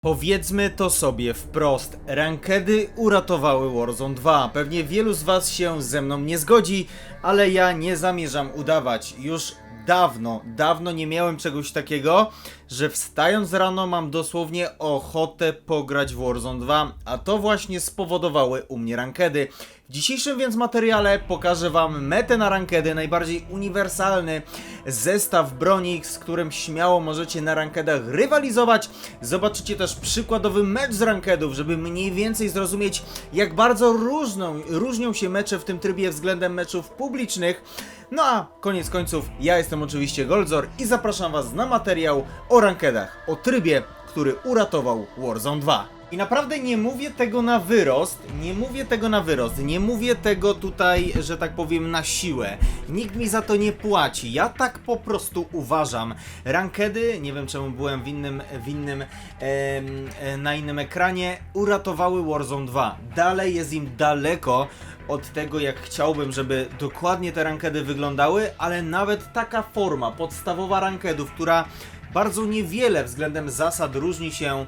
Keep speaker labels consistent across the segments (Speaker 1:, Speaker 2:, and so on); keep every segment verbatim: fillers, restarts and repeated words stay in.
Speaker 1: Powiedzmy to sobie wprost, rankedy uratowały Warzone dwa. Pewnie wielu z was się ze mną nie zgodzi, ale ja nie zamierzam udawać. Już dawno, dawno nie miałem czegoś takiego, że wstając rano mam dosłownie ochotę pograć w Warzone dwa, a to właśnie spowodowały u mnie rankedy. W dzisiejszym więc materiale pokażę wam metę na rankedy, najbardziej uniwersalny zestaw broni, z którym śmiało możecie na rankedach rywalizować. Zobaczycie też przykładowy mecz z rankedów, żeby mniej więcej zrozumieć, jak bardzo różną, różnią się mecze w tym trybie względem meczów publicznych. No a koniec końców, ja jestem oczywiście Goldzor i zapraszam was na materiał o rankedach, o trybie, który uratował Warzone dwa. I naprawdę nie mówię tego na wyrost, nie mówię tego na wyrost, nie mówię tego tutaj, że tak powiem, na siłę. Nikt mi za to nie płaci, ja tak po prostu uważam. Rankedy, nie wiem czemu byłem w innym, w innym, e, na innym ekranie, uratowały Warzone dwa. Dalej jest im daleko od tego, jak chciałbym, żeby dokładnie te rankedy wyglądały, ale nawet taka forma podstawowa rankedów, która bardzo niewiele względem zasad różni się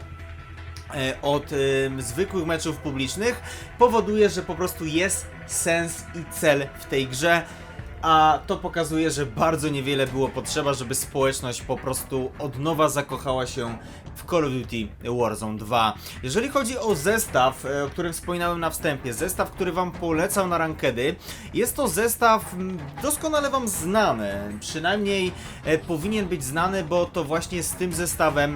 Speaker 1: od y, zwykłych meczów publicznych, powoduje, że po prostu jest sens i cel w tej grze, a to pokazuje, że bardzo niewiele było potrzeba, żeby społeczność po prostu od nowa zakochała się w Call of Duty Warzone dwa. Jeżeli chodzi o zestaw, o którym wspominałem na wstępie, zestaw, który wam polecam na rankedy, jest to zestaw doskonale wam znany, przynajmniej e, powinien być znany, bo to właśnie z tym zestawem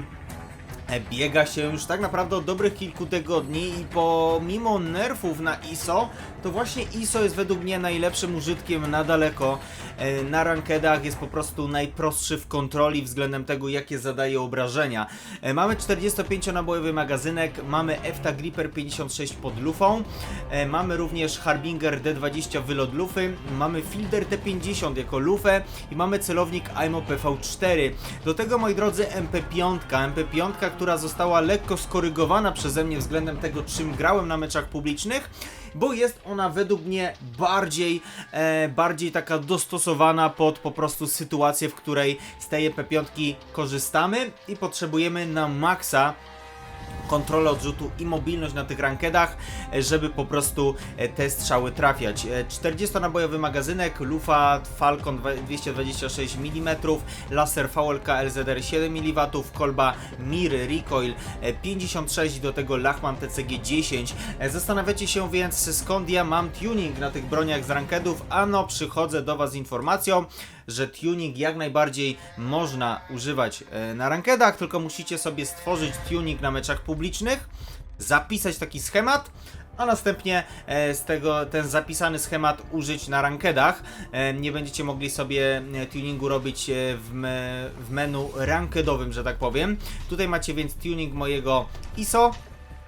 Speaker 1: biega się już tak naprawdę od dobrych kilku tygodni i pomimo nerfów na I S O, to właśnie I S O jest według mnie najlepszym użytkiem na daleko. Na rankedach jest po prostu najprostszy w kontroli względem tego, jakie zadaje obrażenia. Mamy czterdziestopięcionabojowy magazynek, mamy EFTA Gripper pięćdziesiąt sześć pod lufą, mamy również Harbinger D dwadzieścia wylot lufy, mamy Fielder T pięćdziesiąt jako lufę i mamy celownik A I M O P V cztery. Do tego, moi drodzy, M P pięć, M P pięć, która została lekko skorygowana przeze mnie względem tego, czym grałem na meczach publicznych, bo jest ona według mnie bardziej, e, bardziej taka dostosowana pod po prostu sytuację, w której z tej M P pięć korzystamy i potrzebujemy na maksa kontrolę odrzutu i mobilność na tych rankedach, żeby po prostu te strzały trafiać. czterdziestonabojowy magazynek, lufa Falcon dwieście dwadzieścia sześć milimetrów, laser V L K L Z R siedem milimetrów, kolba Mir Recoil pięćdziesiąt sześć, do tego Lachman T C G dziesięć. Zastanawiacie się więc, skąd ja mam tuning na tych broniach z rankedów? Ano, przychodzę do was z informacją, że tuning jak najbardziej można używać na rankedach, tylko musicie sobie stworzyć tuning na meczach publicznych, zapisać taki schemat, a następnie z tego ten zapisany schemat użyć na rankedach. Nie będziecie mogli sobie tuningu robić w, me, w menu rankedowym, że tak powiem. Tutaj macie więc tuning mojego I S O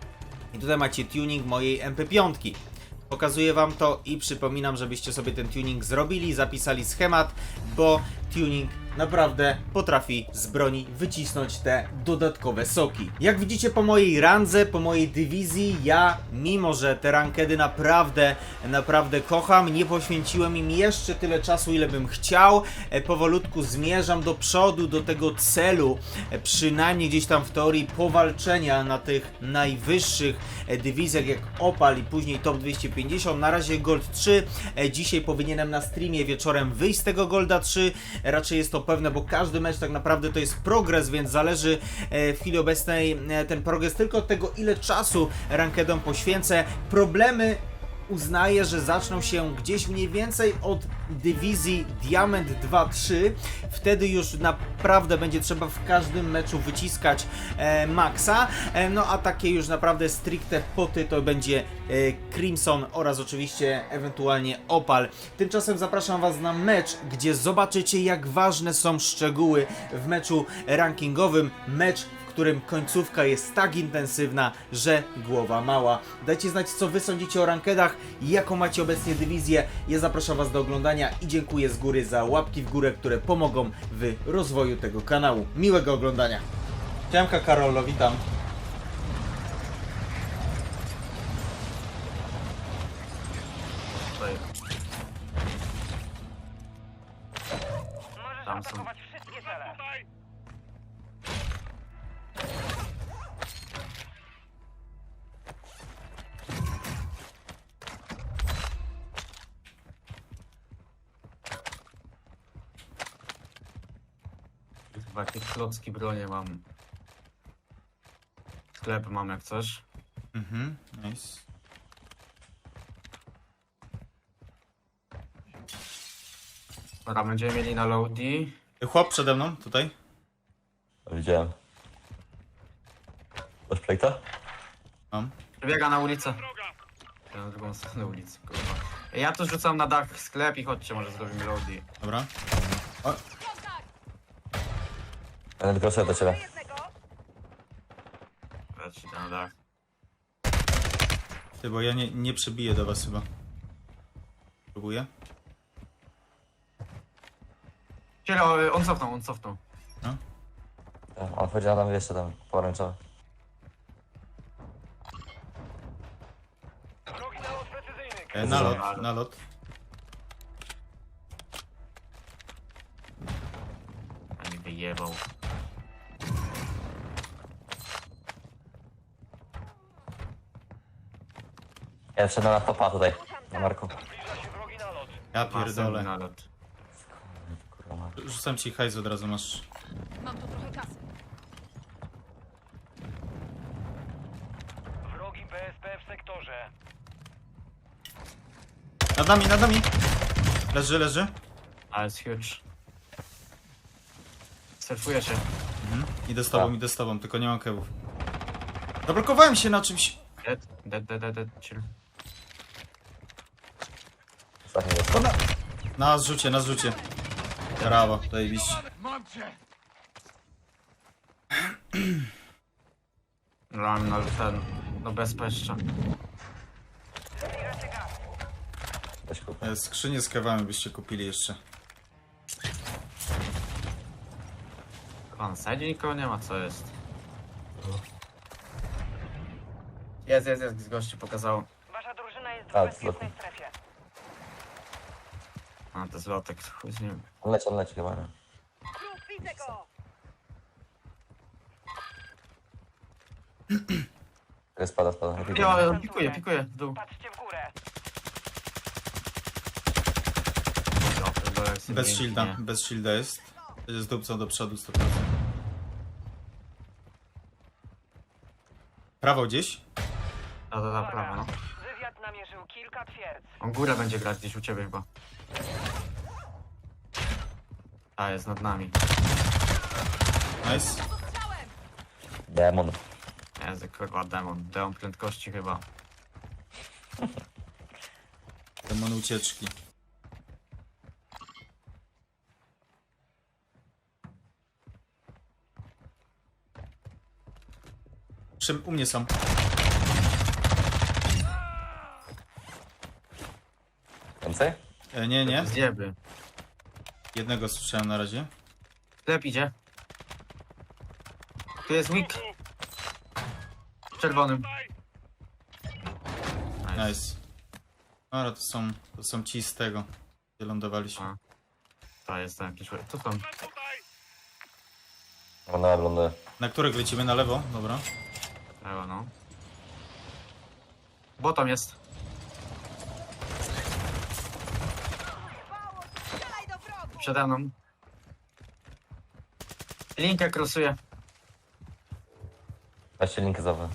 Speaker 1: i tutaj macie tuning mojej M P pięć. Pokazuję wam to i przypominam, żebyście sobie ten tuning zrobili, zapisali schemat, bo tuning naprawdę potrafi z broni wycisnąć te dodatkowe soki. Jak widzicie po mojej randze, po mojej dywizji, ja, mimo że te rankedy naprawdę, naprawdę kocham, nie poświęciłem im jeszcze tyle czasu, ile bym chciał. E, powolutku zmierzam do przodu, do tego celu, e, przynajmniej gdzieś tam w teorii powalczenia na tych najwyższych e, dywizjach jak Opal i później Top dwieście pięćdziesiąt. Na razie Gold trzy. E, dzisiaj powinienem na streamie wieczorem wyjść z tego Golda trzy. E, raczej jest to pewne, bo każdy mecz tak naprawdę to jest progres, więc zależy e, w chwili obecnej e, ten progres tylko od tego, ile czasu rankedom poświęcę. Problemy uznaję, że zaczną się gdzieś mniej więcej od dywizji Diament dwa trzy. Wtedy już naprawdę będzie trzeba w każdym meczu wyciskać e, maksa. E, no a takie już naprawdę stricte poty to będzie e, Crimson oraz oczywiście ewentualnie Opal. Tymczasem zapraszam was na mecz, gdzie zobaczycie, jak ważne są szczegóły w meczu rankingowym. Mecz, w którym końcówka jest tak intensywna, że głowa mała. Dajcie znać, co wy sądzicie o rankedach i jaką macie obecnie dywizję. Ja zapraszam was do oglądania i dziękuję z góry za łapki w górę, które pomogą w rozwoju tego kanału. Miłego oglądania. Siemka Karolo, witam.
Speaker 2: Tam są. Kurwa, jakie klocki bronie mam. Sklep mam jak coś.
Speaker 1: Mhm, nice.
Speaker 2: Dobra, będziemy mieli na loady.
Speaker 1: Chłop przede mną, tutaj.
Speaker 3: Widziałem. Masz plejta?
Speaker 1: Mam.
Speaker 2: Biega na ulicę. Ja na drugą stronę ulicy, kurwa. Ja tu rzucam na dach sklep i chodźcie, może zrobimy loady.
Speaker 1: Dobra. O,
Speaker 3: Ja tylko szedł do ciebie.
Speaker 2: Leci na dach.
Speaker 1: ty, bo ja nie, nie przebiję do was chyba. Próbuję.
Speaker 2: Ciele, o, on cofnął, on cofnął.
Speaker 1: No.
Speaker 3: Ja, on powiedział nam jeszcze tam pomarańczowy.
Speaker 1: E, nalot, nalot.
Speaker 2: A mi wyjebał.
Speaker 3: Ja wszedłem na topa tutaj, na Marku.
Speaker 1: Ja pierdolę.
Speaker 2: Nalot.
Speaker 3: Kurwa, ma.
Speaker 1: Rzucam ci hajs, od razu masz.
Speaker 4: Mam tu trochę kasy.
Speaker 5: Wrogi P S P w sektorze.
Speaker 1: Nad nami, nad nami! Leży, leży.
Speaker 2: Ale jest huge. Surfuję się.
Speaker 1: Mhm. Idę z tobą, idę z tobą, tylko nie mam kewów. Zablokowałem się na czymś.
Speaker 2: Dead, dead, dead, dead, dead, chill.
Speaker 3: Ostatni jest.
Speaker 1: O, na... na zrzucie, na zrzucie. Brawo, zajebiście.
Speaker 2: Mam no ten, no bezpieczne.
Speaker 3: Weź kup.
Speaker 1: E, Skrzynię z kewami byście kupili jeszcze.
Speaker 2: Pan sędzi nikogo nie ma, co jest? Jest, jest, jest, gościu pokazał.
Speaker 5: Wasza drużyna jest w
Speaker 3: A,
Speaker 5: bezpiecznej strefie.
Speaker 2: A, to zlotek, chuj z nim.
Speaker 3: On leci, on leci chyba, nie?
Speaker 5: Plus, widzę go!
Speaker 3: Czekaj, spada, spada. Nie pikuj.
Speaker 2: Ja, ja pikuję, pikuję, w dół.
Speaker 5: Patrzcie w górę.
Speaker 2: Ja pierdolę, jak sobie
Speaker 1: Bez
Speaker 2: mięknie.
Speaker 1: shielda, bez shielda jest. Będzie z dupcą do przodu sto procent. Prawo gdzieś?
Speaker 2: Da, da, da, prawo, no.
Speaker 5: Wywiad namierzył kilka twierdz.
Speaker 2: On górę będzie grać gdzieś u ciebie chyba. A, jest nad nami.
Speaker 1: Nice.
Speaker 3: Demon.
Speaker 2: Jest, kurwa, demon. Demon prędkości chyba.
Speaker 1: Demon ucieczki. Przy, u mnie są.
Speaker 3: Więcej?
Speaker 1: E, nie, nie.
Speaker 2: Zjeby.
Speaker 1: Jednego słyszałem na razie.
Speaker 2: Sklep idzie. Tu jest weak. W czerwonym. Nice.
Speaker 1: Nice. Dobra, to są, to są ci z tego, gdzie lądowaliśmy.
Speaker 2: A. To jest tam jakiś... Tu są.
Speaker 3: Ląduje, ląduje.
Speaker 1: Na których lecimy? Na lewo? Dobra.
Speaker 2: Ewa, no. Bottom jest. Przede mną. Linkę krosuje.
Speaker 3: Weźcie linkę za.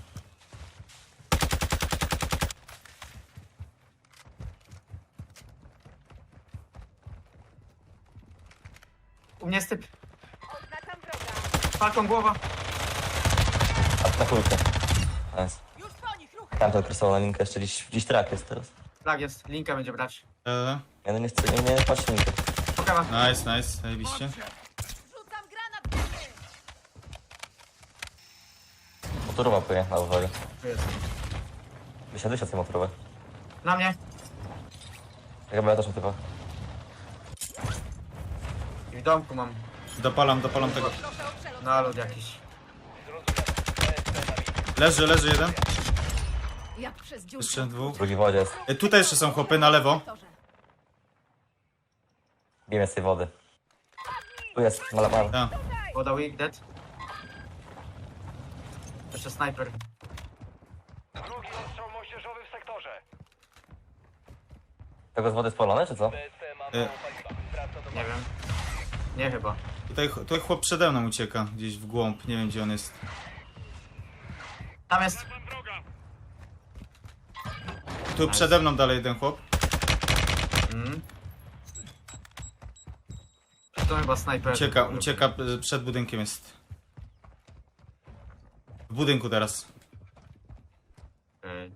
Speaker 2: U mnie jest typ.
Speaker 5: Oznaczam wroga.
Speaker 2: Falką głowa.
Speaker 3: Atakujcie. Nice.
Speaker 4: Już po nich, ruchy!
Speaker 3: Tam to krysował na linkę, jeszcze gdzieś, gdzieś trak jest teraz.
Speaker 2: Tak jest. Linkę będzie brać.
Speaker 1: E,
Speaker 3: Ja no nie chcę, nie, nie patrzcie linkę.
Speaker 2: Pokawa.
Speaker 1: nice, nice, zajebiście.
Speaker 4: Rzucam granat w góry!
Speaker 3: Motorówka pojechała, uwaga.
Speaker 2: Tu jest.
Speaker 3: Wysiadłeś od tej motorowej.
Speaker 2: Na mnie.
Speaker 3: Ja chyba ja też mam typa.
Speaker 2: I w domku mam
Speaker 1: Dopalam, dopalam tego.
Speaker 4: Proszę o przelot.
Speaker 2: nalot jakiś.
Speaker 1: Leży, leży jeden.
Speaker 4: Jak przez dziurkę.
Speaker 1: Jeszcze dwóch.
Speaker 3: Drugi w wodzie jest.
Speaker 1: E, tutaj jeszcze są chłopy na lewo.
Speaker 4: Sektorze.
Speaker 3: Bijemy z tej wody. Tu jest, malapar.
Speaker 1: Ja.
Speaker 2: Woda weak, dead. Jeszcze snajper.
Speaker 5: Drugi ostrzał moździerzowy w sektorze.
Speaker 3: Tego z wody spalone, czy co?
Speaker 1: E,
Speaker 2: Nie wiem. Nie chyba.
Speaker 1: Tutaj, tutaj chłop przede mną ucieka, gdzieś w głąb, nie wiem gdzie on jest.
Speaker 2: Tam jest.
Speaker 1: Tu przede mną dalej jeden chłop.
Speaker 2: Mm. To chyba snajper.
Speaker 1: Ucieka, ucieka, y, przed budynkiem jest. W budynku teraz.
Speaker 2: Okej.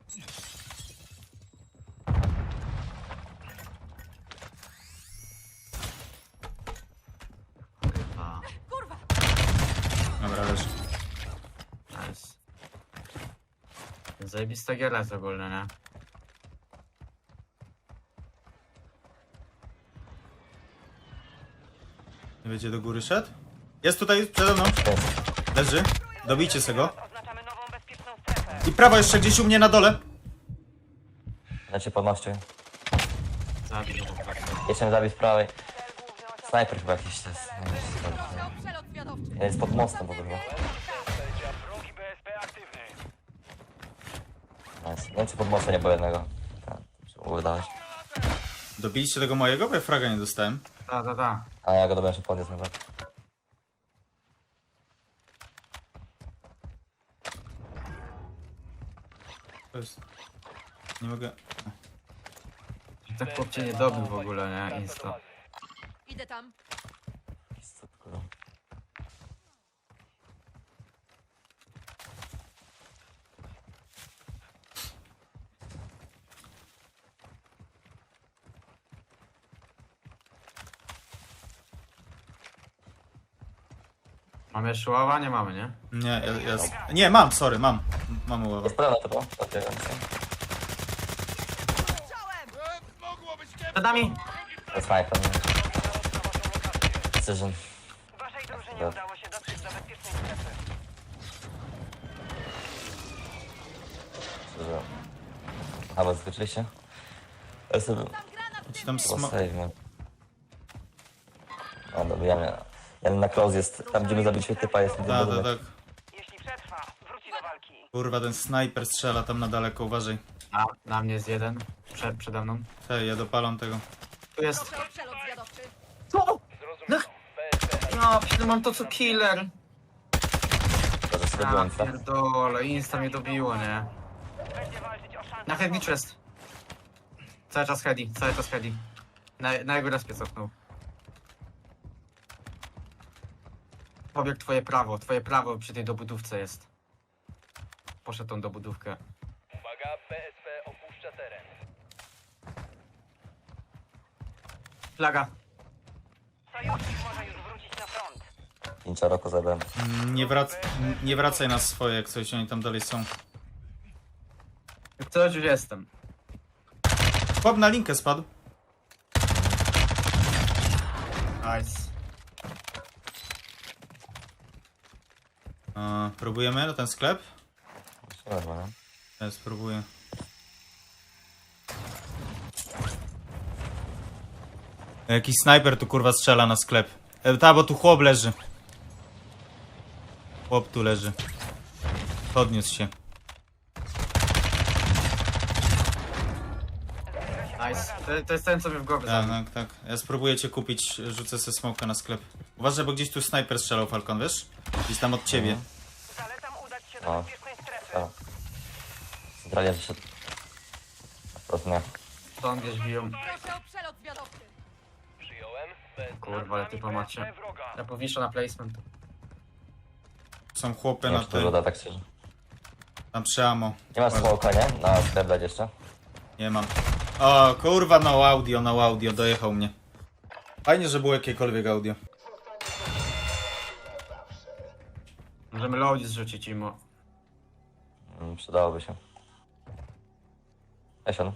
Speaker 2: Chyba.
Speaker 4: Kurwa!
Speaker 1: Dobra, leży.
Speaker 2: Nice. Zajebista giera jest ogólnie, nie?
Speaker 1: Nie będzie do góry szedł? Jest tutaj przede mną.
Speaker 3: Jest.
Speaker 1: Leży. Dobijcie se go.
Speaker 5: Oznaczamy nową bezpieczną strefę.
Speaker 1: I prawo jeszcze gdzieś u mnie na dole.
Speaker 3: Ja cię podnoszę.
Speaker 2: Zabił go po prostu.
Speaker 3: Jeszcze mnie zabił z prawej. Snajper chyba jakiś to jest. Nie wiem, co to jest.
Speaker 4: Proszę o przelot zwiadowczy.
Speaker 3: Ja jest pod mostem w ogóle chyba.
Speaker 5: Wrogi B S P aktywny.
Speaker 3: Nice. Nie wiem czy pod mostem nie było jednego. Tak, trzeba było wydawać.
Speaker 1: Dobiliście tego mojego, bo ja fraga nie dostałem.
Speaker 2: Ta, ta, ta.
Speaker 3: A ja go dobrze jeszcze podniósł nawet.
Speaker 1: To jest... Nie mogę...
Speaker 2: Ten chłop cię nie dobił w ogóle, nie? Insta.
Speaker 4: Idę tam.
Speaker 3: Co to kurwa?
Speaker 2: Mamy jeszcze ława? Nie mamy, nie?
Speaker 1: Nie, ja, ja... Nie, mam, sorry, mam. Mam uławę.
Speaker 3: Jest pełna to było? Okej,
Speaker 2: Przed nami!
Speaker 3: to jest snajper. nie? Precision.
Speaker 5: Waszej drużynie
Speaker 3: Ja.
Speaker 5: udało się dotrzeć do bezpiecznej strefy.
Speaker 3: Precision. A, bo skoczyliście? Ja sobie...
Speaker 4: Tam granat
Speaker 1: Ci tam
Speaker 3: Chyba
Speaker 1: sma...
Speaker 3: save, nie? O, dobra, ja mnie... Ja na close jest, tam gdzie my zabiliśmy typa jest ten
Speaker 1: Tak, tak,
Speaker 3: budynek.
Speaker 1: tak.
Speaker 5: Jeśli przetrwa, wróci do walki.
Speaker 1: Kurwa, ten snajper strzela tam na daleko, uważaj.
Speaker 2: A, na mnie jest jeden. Przed, przede mną.
Speaker 1: Hej, ja dopalam tego.
Speaker 2: Tu jest.
Speaker 4: Proszę o przelot zwiadowczy.
Speaker 2: Co? No, no mam to co killer.
Speaker 3: To, że sobie
Speaker 2: Ja
Speaker 3: byłem, co?
Speaker 2: pierdolę, insta mnie dobiło, nie?
Speaker 5: Będzie walczyć o szansę.
Speaker 2: Na headniczu jest. Cały czas heady, cały czas heady. Na, na jego respie cofnął. Pobiegł twoje prawo, twoje prawo przy tej dobudówce jest. Poszedł tą dobudówkę.
Speaker 5: Uwaga, B S P opuszcza teren.
Speaker 2: Flaga.
Speaker 5: Sojusznik może już wrócić na front.
Speaker 3: Pięcia roku zabrałem.
Speaker 1: Mm, Nie, wrac... nie wracaj na swoje, jak coś, oni tam dalej są.
Speaker 2: Co już jestem.
Speaker 1: Chłop na linkę spadł.
Speaker 2: Nice.
Speaker 1: A, próbujemy na ten sklep?
Speaker 3: Dobra, no.
Speaker 1: Ja spróbuję. Jakiś snajper tu kurwa strzela na sklep. E, ta, bo tu chłop leży. Chłop tu leży. Podniósł się.
Speaker 2: Nice. To, to jest ten, co mnie w głowie
Speaker 1: Tak,
Speaker 2: zabił.
Speaker 1: tak, tak. Ja spróbuję cię kupić, rzucę sobie smoka na sklep. Uważaj, bo gdzieś tu snajper strzelał, Falcon, wiesz? Gdzieś tam od ciebie.
Speaker 5: Zalecam udać się
Speaker 3: O.
Speaker 5: do bezpiecznej strefy.
Speaker 3: A. Centralnie wyszedł. Wprost nie.
Speaker 2: Stąd gdzieś biją.
Speaker 4: Proszę o przelot zwiadowczy.
Speaker 5: Przyjąłem.
Speaker 2: Kurwa, ale typa macie. Ja powiszę na placement.
Speaker 1: Są chłopy
Speaker 3: Nie
Speaker 1: na
Speaker 3: wiem, czy to
Speaker 1: tym.
Speaker 3: żoda tak szczerze.
Speaker 1: Tam przy ammo.
Speaker 3: Nie masz smoka, nie? Na sklep dać jeszcze?
Speaker 1: Nie mam. O, kurwa, no audio, no audio, dojechał mnie. Fajnie, że było jakiekolwiek audio.
Speaker 2: Możemy loadzi zrzucić im.
Speaker 3: Mm, przydałoby się. Esion.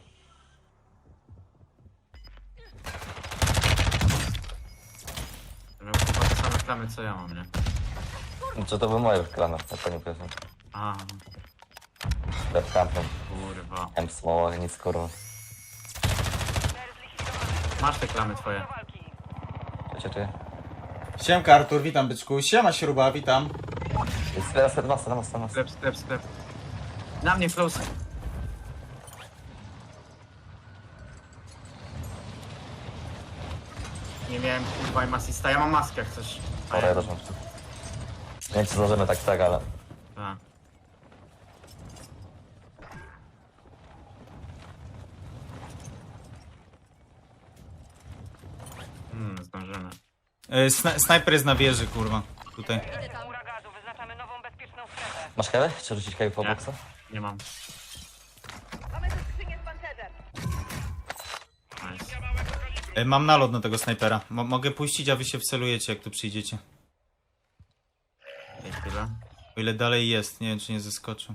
Speaker 2: Miał chyba te same klamy co ja mam, nie?
Speaker 3: Czy to były moje klamy, jak pani powiedział.
Speaker 2: A,
Speaker 3: Sklep kampem.
Speaker 2: kurwa.
Speaker 3: M smoła, nic kurwa.
Speaker 2: Masz te klamy twoje.
Speaker 3: Czucie, czuję.
Speaker 1: Siemka Artur, witam byczku. Siema Śruba, witam.
Speaker 3: Jest teraz na masa, na masa, na masa.
Speaker 2: Sklep, sklep, sklep. Na mnie close. Nie miałem kurwa im asista. Ja mam maskę jak coś.
Speaker 3: Dobra, ja też mam. Nie wiem, czy zdążymy tak, tak, ale...
Speaker 2: Tak. Hmm, zdążymy.
Speaker 1: E, sna snajper jest na wieży, kurwa. Tutaj.
Speaker 4: Idę tam.
Speaker 5: Chmura gazu, wyznaczamy nową bezpieczną strefę.
Speaker 3: Masz kawę? Czy rzucić kawę po
Speaker 2: Nie.
Speaker 3: boksa?
Speaker 2: Nie mam.
Speaker 4: Mamy tu skrzynię z pancerzem.
Speaker 2: Nice.
Speaker 1: E, mam nalot na tego snajpera. Mo mogę puścić, a wy się wcelujecie, jak tu przyjdziecie.
Speaker 2: I chwilę.
Speaker 1: O ile dalej jest, nie wiem, czy nie zeskoczył.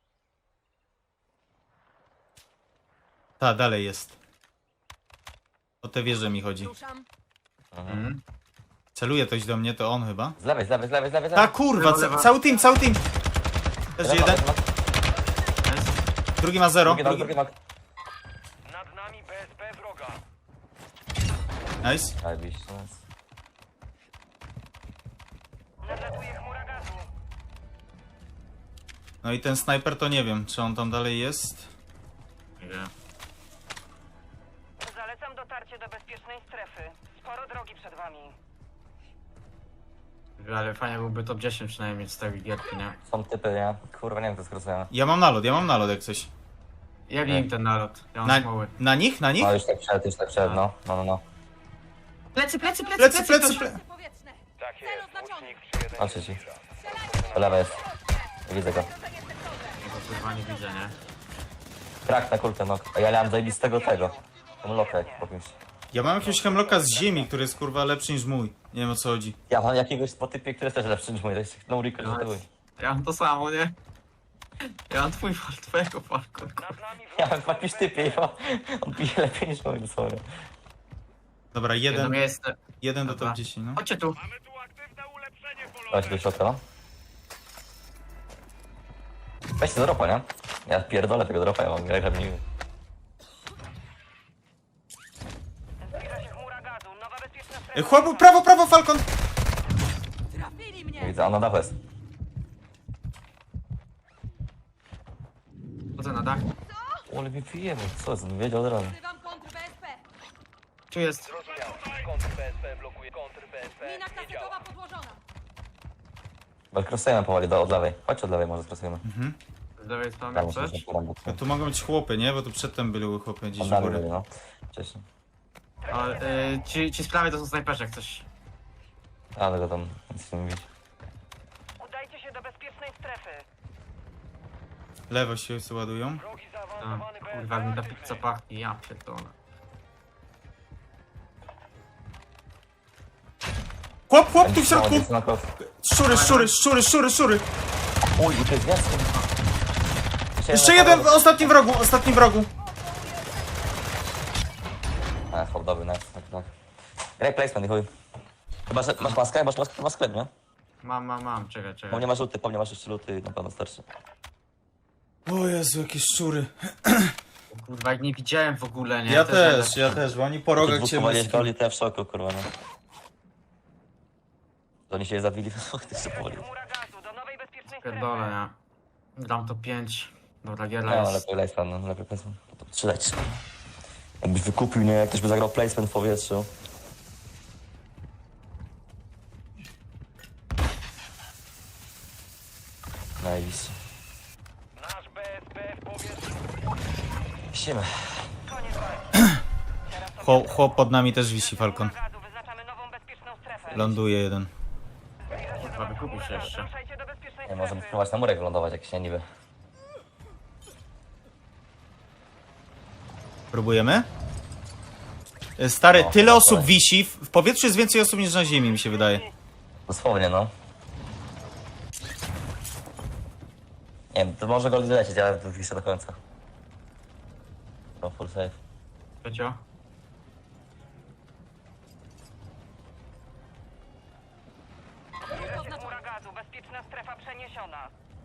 Speaker 1: Ta, dalej jest. O te wieże mi chodzi.
Speaker 4: Ruszam.
Speaker 2: Mhm.
Speaker 1: Celuje ktoś do mnie, to on chyba.
Speaker 3: Z lewej, z lewej, z lewej, z lewej. z
Speaker 1: Ta
Speaker 3: lewej.
Speaker 1: kurwa,
Speaker 2: Lewa, lewa.
Speaker 1: ca cały team, cały team. Też
Speaker 3: Lewa,
Speaker 1: jeden,
Speaker 3: lewa.
Speaker 2: Nice.
Speaker 1: drugi ma zero.
Speaker 3: Drugi nok,
Speaker 1: Drugi...
Speaker 3: drugi nok.
Speaker 5: Nad nami B S P wroga.
Speaker 1: Nice.
Speaker 3: Zajebiście, nice.
Speaker 5: Nadlatuje chmura gazu.
Speaker 1: No i ten snajper to nie wiem, czy on tam dalej jest.
Speaker 2: Nie.
Speaker 5: Zalecam dotarcie do bezpiecznej strefy. Sporo drogi przed wami.
Speaker 2: Ale fajnie byłby top dziesięć przynajmniej z tej gierki, nie?
Speaker 3: Są typy, nie? Kurwa, nie wiem, to skracujemy.
Speaker 1: Ja mam nalot, ja mam nalot jak coś.
Speaker 2: Jebnij im ten nalot. Ja mam
Speaker 1: Na,
Speaker 2: smoły.
Speaker 1: na nich? Na nich?
Speaker 3: No już tak przed, już tak przed, no. No, no, no.
Speaker 2: Plecy, plecy, plecy,
Speaker 1: Plecy, plecy,
Speaker 2: ktoś-
Speaker 1: plecy.
Speaker 4: Powietrzne.
Speaker 5: Tak
Speaker 4: Cel
Speaker 5: jest,
Speaker 4: oznaczony.
Speaker 5: łucznik trzy jeden.
Speaker 3: Patrzę ci. Po lewej jest. Widzę go.
Speaker 2: Tego kurwa nie widzę, nie?
Speaker 3: Krak na kulkę, no. A ja miałem zajebistego tego. Tą lokę po kimś.
Speaker 1: Ja mam jakiegoś hemlocka z ziemi, który jest kurwa lepszy niż mój. Nie wiem o co chodzi.
Speaker 3: Ja mam jakiegoś po typie, który jest też lepszy niż mój. To jest no recall, że to mój.
Speaker 2: Ja mam to samo, nie? Ja mam twój fal, twojego falku.
Speaker 5: Nad nami
Speaker 3: Ja
Speaker 5: wroga.
Speaker 3: mam jakiś typie i ma- on pije lepiej niż mój, dosłownie.
Speaker 1: Dobra,
Speaker 2: Jedno
Speaker 1: jeden,
Speaker 2: miejsce.
Speaker 1: jeden do
Speaker 2: Dobra.
Speaker 1: top dziesięć, no.
Speaker 2: Chodźcie tu.
Speaker 5: Mamy tu aktywne ulepszenie polowe.
Speaker 3: Dajcie do środka, no. Weźcie do dropa, nie? Ja pierdolę tego dropa, ja mam grę grabniły.
Speaker 5: Zbliża się chmura gazu. Nowa bezpieczna
Speaker 1: E,
Speaker 5: strefa.
Speaker 1: chłopu, prawo, prawo, Falcon!
Speaker 4: Trafili mnie.
Speaker 3: Widzę, a na dachu jest.
Speaker 2: Chodzę na dach.
Speaker 3: Ale mi pijemy, co jest? Wiedział od razu.
Speaker 4: Wzywam kontr B S P.
Speaker 2: Tu jest.
Speaker 5: Zrozumiał. Kontr B S P blokuje. Kontr B S P
Speaker 4: Mina
Speaker 5: nie
Speaker 4: kasetowa
Speaker 5: działa.
Speaker 4: podłożona.
Speaker 3: Krosujemy powoli do, od lewej. Chodź od lewej, może skrosujemy.
Speaker 2: Z lewej strony
Speaker 3: Tam
Speaker 2: coś.
Speaker 3: muszę się
Speaker 1: No tu mogą być chłopy, nie? Bo tu przedtem były chłopy gdzieś
Speaker 3: Od
Speaker 1: u
Speaker 3: lewej
Speaker 1: góry.
Speaker 3: byli, no. Wcześniej.
Speaker 2: A, y, ci, ci z prawej to są snajperzy jak coś.
Speaker 3: Ale go tam nic nie mówić.
Speaker 5: Udajcie się do bezpiecznej strefy.
Speaker 1: Lewo się ładują.
Speaker 5: Wrogi
Speaker 2: A,
Speaker 5: zaawansowany B S P
Speaker 2: kurwa, jak mi ta
Speaker 5: aktywny.
Speaker 2: pizza pachnie, ja pierdolę.
Speaker 1: Chłop, chłop tu w środku!
Speaker 3: No, na kos.
Speaker 1: Szczury, szczury, szczury, szczury, szczury!
Speaker 3: Uj, i to jest więcej.
Speaker 1: Jeszcze jeden w ostatnim wrogu, ostatnim wrogu.
Speaker 3: A, hop, dobry, nice, tak, tak. Graj placement, i chuj. Chyba, że masz maskę? Masz maskę? Masz sklep, nie?
Speaker 2: Mam, mam, mam, czekaj,
Speaker 3: Bo
Speaker 2: czekaj.
Speaker 3: nie masz luty, po mnie masz jeszcze luty i na pewno starszy.
Speaker 1: O Jezu, jakie szczury.
Speaker 2: Kurwa, jak nie widziałem w ogóle, nie?
Speaker 1: Ja
Speaker 2: To
Speaker 1: też,
Speaker 2: jest-
Speaker 1: ja też, bo oni po rogach cię
Speaker 3: Dwóch
Speaker 1: wyski-
Speaker 3: goli, to ja w szoku, kurwa, no. To oni się zabili, to jeszcze powoli.
Speaker 5: Chmura gazu do nowej bezpiecznej
Speaker 2: Pierdolę,
Speaker 5: strefy.
Speaker 2: nie? Dam to pięć. Dobra,
Speaker 3: No,
Speaker 2: gierla jest.
Speaker 3: lepiej placement, no, lepiej placement. To strzelać. Jakbyś wykupił, nie? Jak ktoś by zagrał placement w powietrzu. Najbliższy.
Speaker 5: Nasz B S P w powietrzu.
Speaker 3: Wisimy.
Speaker 5: Koniec walki. Teraz to
Speaker 1: Chłop, chłop pod nami też wisi, Falcon.
Speaker 5: chmura gazu. Wyznaczamy nową bezpieczną strefę.
Speaker 1: Ląduje jeden.
Speaker 5: Zbliża się do
Speaker 2: Kurwa,
Speaker 5: was
Speaker 2: wykupił
Speaker 5: chmura
Speaker 2: się
Speaker 5: gazu.
Speaker 2: jeszcze.
Speaker 5: Ruszajcie do bezpiecznej
Speaker 3: Nie, możemy
Speaker 5: strefy.
Speaker 3: spróbować na murek wylądować, jak się niby.
Speaker 1: Próbujemy? E, Stary,
Speaker 3: No,
Speaker 1: tyle osób
Speaker 3: dobra.
Speaker 1: wisi, w w powietrzu jest więcej osób niż na ziemi, mi się wydaje.
Speaker 3: Dosłownie, no. Nie wiem, to może go lecieć, ale to wiszę do końca. No, full safe.
Speaker 2: Piecio?
Speaker 5: Zbliża się chmura gazu. Bezpieczna strefa przeniesiona.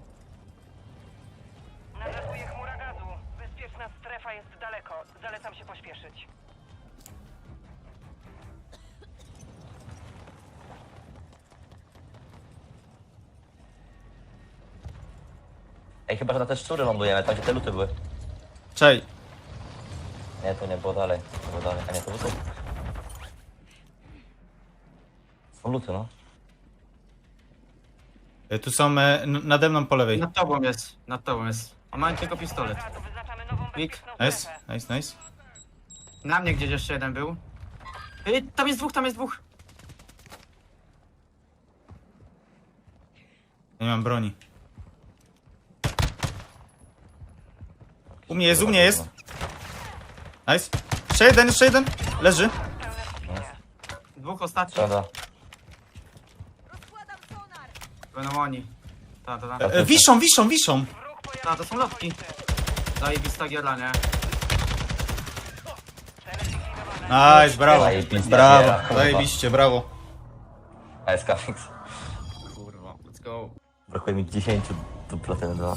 Speaker 5: Nadlatuje chmura gazu. Bezpieczna strefa jest daleko. Zalecam się pośpieszyć.
Speaker 3: Ej, chyba, że na te szczury lądujemy, tam gdzie te luty były.
Speaker 1: Czej,
Speaker 3: Nie, to nie było dalej. To było dalej. A nie, to luty. Są luty, no.
Speaker 1: E, Tu są e, n- nade mną po lewej.
Speaker 2: Nad tobą jest, nad tobą jest. A mam tylko pistolet.
Speaker 5: Gazu, wyznaczamy nową
Speaker 2: Wik.
Speaker 5: bezpieczną
Speaker 1: Nice,
Speaker 5: strefę.
Speaker 1: nice, nice.
Speaker 2: Na mnie gdzieś jeszcze jeden był. Ej, tam jest dwóch, tam jest dwóch.
Speaker 1: Nie mam broni. U mnie jest, u mnie jest. Nice. Jeszcze jeden, jeszcze jeden. Leży.
Speaker 2: Dwóch ostatnich.
Speaker 3: Dobra.
Speaker 4: Rozkładam sonar!
Speaker 2: Będą oni. Ta, ta, ta.
Speaker 1: E, wiszą, wiszą, wiszą.
Speaker 5: Wróg pojawił
Speaker 2: Ta, to są lotki. Zajebista giera, nie?
Speaker 1: Nice, brawo.
Speaker 3: Zajebista
Speaker 1: Brawo,
Speaker 3: giera, kurwa.
Speaker 1: zajebiście, brawo.
Speaker 3: A S K fix.
Speaker 2: Kurwa, let's go.
Speaker 3: Brakuje mi dziesięć do platyny dwa.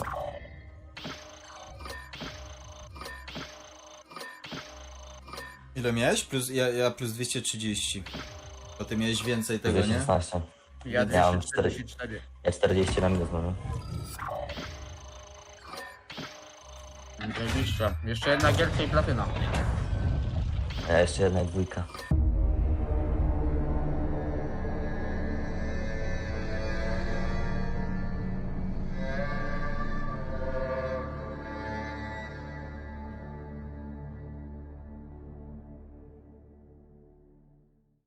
Speaker 1: Ile miałeś? Plus, ja, ja plus dwieście trzydzieści. To ty miałeś więcej tego,
Speaker 3: dwieście
Speaker 1: nie?
Speaker 3: szesnaście.
Speaker 2: Ja
Speaker 3: Ja mam
Speaker 2: dwieście czterdzieści cztery.
Speaker 3: Ja czterdzieści na minus mamy.
Speaker 2: Zajebiście. Jeszcze jedna gierka i platyna.
Speaker 3: A ja jeszcze jedna dwójka.